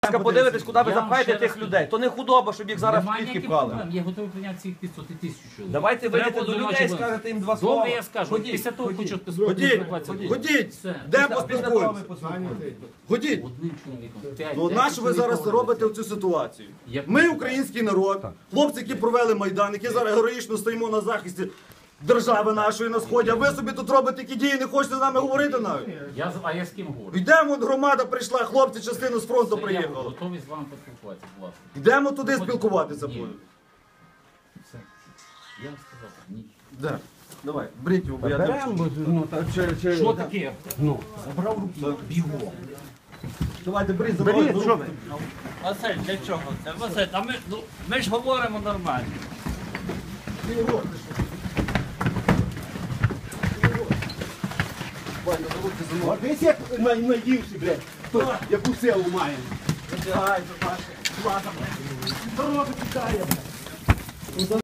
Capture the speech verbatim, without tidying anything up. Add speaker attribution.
Speaker 1: Подивитись, куди ви
Speaker 2: Я вам
Speaker 1: запхаєте
Speaker 2: ще
Speaker 1: тих
Speaker 2: раз
Speaker 1: людей. То не худоба, щоб їх зараз в
Speaker 2: Немає
Speaker 1: клітки
Speaker 2: ніяких
Speaker 1: пхали.
Speaker 2: проблем. Я готовий прийняти цих п'ятсот і тисячу чоловік.
Speaker 1: Давайте
Speaker 2: Треба
Speaker 1: вийдете до
Speaker 2: було
Speaker 1: людей і
Speaker 2: ночі
Speaker 1: скажете їм два слова.
Speaker 2: Добре, я скажу. Після того хочу
Speaker 3: Ходіть, ходіть, де поспілкуємося? Ходіть.
Speaker 2: Одним чоловіком. П'ять,
Speaker 3: Ну,
Speaker 2: десять
Speaker 3: на що ви
Speaker 2: чоловік
Speaker 3: зараз
Speaker 2: говорите.
Speaker 3: робите в цю ситуацію?
Speaker 2: Як
Speaker 3: Ми
Speaker 2: ви?
Speaker 3: український народ, хлопці, які провели Майдан, які зараз героїчно стоїмо на захисті держави нашої на сході, а ви собі тут робите такі дії, не хочете з нами говорити навіть.
Speaker 2: Я, з- а я з ким говорю?
Speaker 3: Йдемо, от громада прийшла, хлопці частину з фронту
Speaker 2: Це Я
Speaker 3: приїхали.
Speaker 2: готовий з вами поспілкуватися, будь ласка.
Speaker 3: Йдемо туди спілкуватися
Speaker 2: Ні.
Speaker 3: будемо.
Speaker 2: Все. Я вам сказав, ні.
Speaker 3: Де? Давай, беріть його, бо я
Speaker 4: Беремо, ну, та, чи, чи,
Speaker 2: Що таке?
Speaker 4: Ну,
Speaker 2: Забрав руки, бігом.
Speaker 3: Давайте, беріть,
Speaker 4: беріть,
Speaker 3: заберіть.
Speaker 4: що ви?
Speaker 5: Василь, для чого це? Василь, а ми, ну, ми ж говоримо нормально.
Speaker 4: От десь як най- найгірший, блядь, хто яку силу має. Здорово, тікає, блядь.